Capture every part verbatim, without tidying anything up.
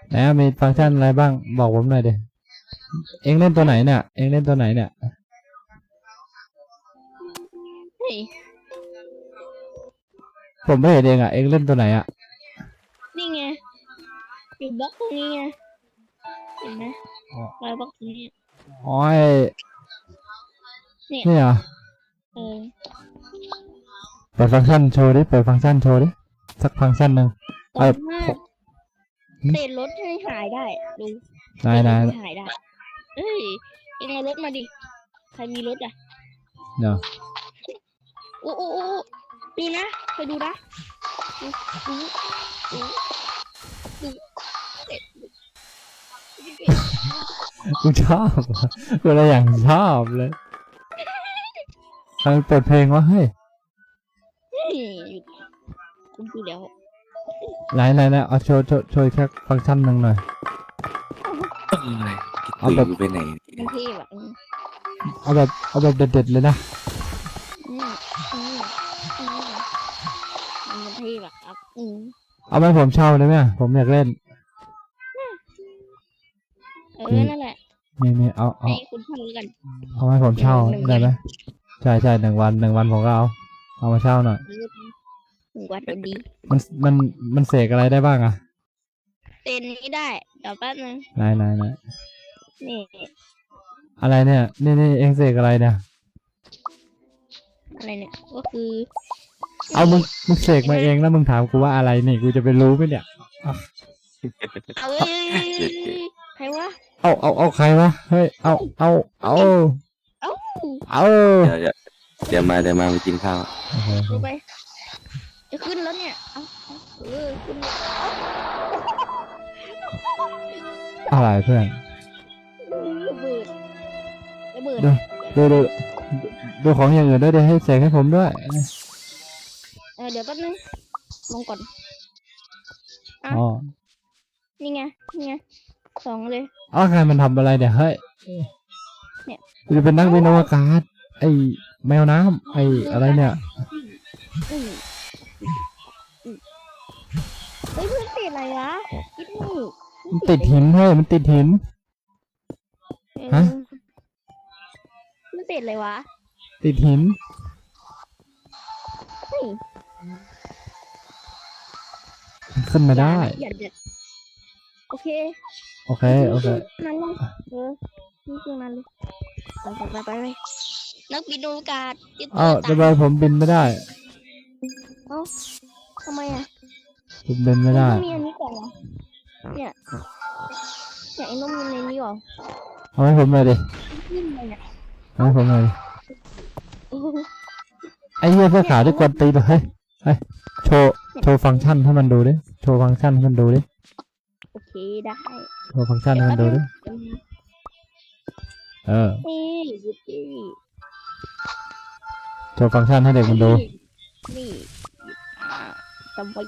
แล้วมีฟังก์ชันอะไรบ้างบอกผมหน่อยดิเอ็งเล่นตัวไหนเนี่ยเอ็งเล่นตัวไหนเนี่ยเฮ้ยผมไม่เห็นเองอ่ะเอ็งเล่นตัวไหนอ่ะนี่ไงอยู่บล็อกตรงนี้ไงเห็นไหมรอยบล็อกตรงนี้อ๋อเนี่ยนี่เหรอเออเปิดฟังก์ชันโชว์ดิเปิดฟังก์ชันโชว์ดิสักฟังก์ชันหนึ่งตอนมากเศษรถให้หายได้ดูนายนายหายได้เฮ้ยเอ็งเอารถมาดิใครมีรถอ่ะเดี๋ยวโอ้โอ้โอ้ดูนะไปดูนะดูดูดูดูเสร็จกูชอบกูอะไรอย่างชอบเลยใครเปิดเพลงวะเฮ้ยคุณดูแล้วไหนไหนไหนเอาโชว์โชว์โชว์แค่ฟังก์ชันหนึ่งหน่อยเอาแบบไปไหนมันเท่แบบเอาแบบเอาแบบเด็ดๆเลยนะอืมอืมอืมมันเท่แบบครับอืมเอาไปผมเช่าได้ไหมผมอยากเล่นเออนั่นแหละนี่นี่เอาเอาให้คุณเช่ากันเอาให้ผมเช่าได้ไหมใช่ใช่หนึ่งวันหนึ่งวันผมก็เอาเอามาเช่าหน่อยหนึ่งวันดีมันมันมันเสกอะไรได้บ้างอะเต้นนี้ได้เดี๋ยวแป๊บนึงไหนไหนไหนนี่อะไรเนี่ยนี่นี่เองเสกอะไรเนี่ยอะไรเนี่ยก็คือเอามึงมึงเสกมาเองแล้วมึงถามกูว่าอะไรนี่กูจะไปรู้ไหมเนี่ยเอาเอ้ยใครวะเอาเอาเอาใครวะเฮ้ยเอาเอาเอาเอาเอาเดี๋ยวเดี๋ยวมาเดี๋ยวมาไปกินข้าวดูไปจะขึ้นแล้วเนี่ยเอาเออขึ้นอะไรเพื่อนระเบิดระเบิดดูดูดูของอย่างอื่นด้วยดิให้เสกให้ผมด้วยเออเดี๋ยวแป๊บนึงลงก่อนอ๋อนี่ไงนี่ไงสองเลยอ๋อใครมันทำอะไรเนี่ยเฮ้ยเนี่ยจะเป็นนักบินอวกาศไอ้แมวน้ำไอ้อะไรเนี่ยเฮ้ยเพื่อนติดอะไรวะคิดนี่มันติดหินเฮ้ยมันติดหินฮะมันติดอะไรวะติดหินขึ้นมาได้โอเคโอเคโอเคนั่นเลยเออนี่คือนั่นเลยไปไปไปไปนักบินอวกาศอ้าวทำไมผมบินไม่ได้เอ้าทำไมอ่ะผมบินไม่ได้มีอันนี้ก่อนเหรอเนี่ยเนี่ยไอ้น้องมีในนี้ก่อนเอาให้ผมหน่อยดิเอาให้ผมหน่อยดิไอ้เหี้ยเสื้อขาวที่กวนตีนเฮ้ยเฮ้ยโชว์โชว์ฟังก์ชันให้มันดูดิโชว์ฟังก์ชันให้มันดูดิโอเคได้โชว์ฟังก์ชันให้มันดูดิเออโชว์ฟังก์ชันให้เด็กมันดูนี่จำไว้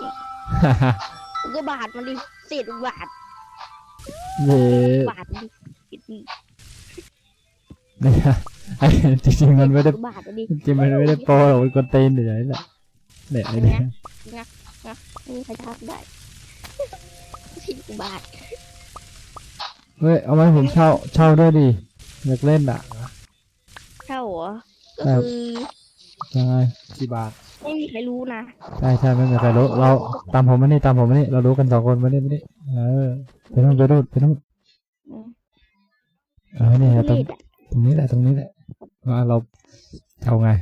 ก็บาทมันดิเศษบาทเย่บาทดิเนี่ยไอ้จริงๆมันไม่ได้จริงมันไม่ได้โปรหรอกมันกวนตีนเดี๋ยวนี้แหละเนี่ยไอ้เนี่ยงักงักนี่ใครทักได้สิบบาทเฮ้ยเอาไหมผมเช่าเช่าด้วยดิอยากเล่นอ่ะเช่าเหรอก็คือยังไงกี่บาทไม่มีใครรู้นะใช่ใช่ไม่มีใครรู้เราตามผมมานี่ตามผมมานี่เรารู้กันสองคนมานี่มานี่เออไปนู่นไปนู่นไปนู่นเออเนี่ยตรงตรงนี้แหละตรงนี้แหละว่าเราเอาไง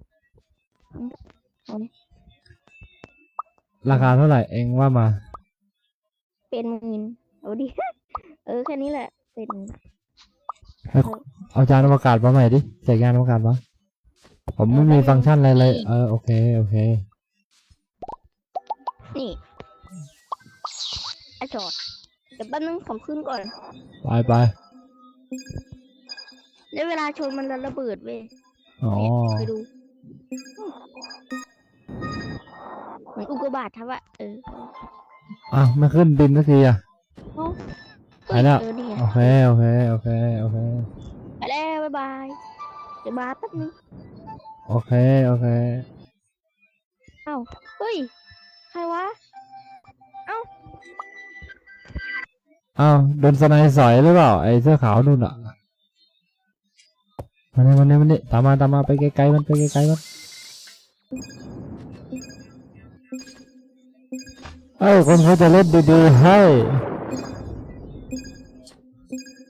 ราคาเท่าไหร่เองว่ามาเป็นหมื่นเอาดิเออแค่นี้แหละเป็นเอาจานอวกาศมาใหม่ดิใส่งานอวกาศวะผมไม่มีฟังก์ชันอะไรเลยเออโอเคโอเคนี่ไอจอดเดี๋ยวแป๊บนึงผมขึ้นก่อนไปไปแล้วเวลาชนมันระเบิดเว้ยอ๋อไปดูเหมือนอุกกาบาตทับอะเอออ้าวไม่ขึ้นบินสักทีอ่ะไปแล้วโอเคโอเคโอเคโอเคไปแล้วบ๊ายบายเดี๋ยวมาแป๊บนึงโอเคโอเคเอ้าเฮ้ยใครวะเอ้าอ้าวโดนสไนด์สอยหรือเปล่าไอ้เสื้อขาวนู่นอ่ะมาเนี่ยมาเนี่ยมาเนี่ยตามมาตามมาไปไกลๆมันไปไกลๆมันเอ้ยคนเขาจะเล่นดีๆให้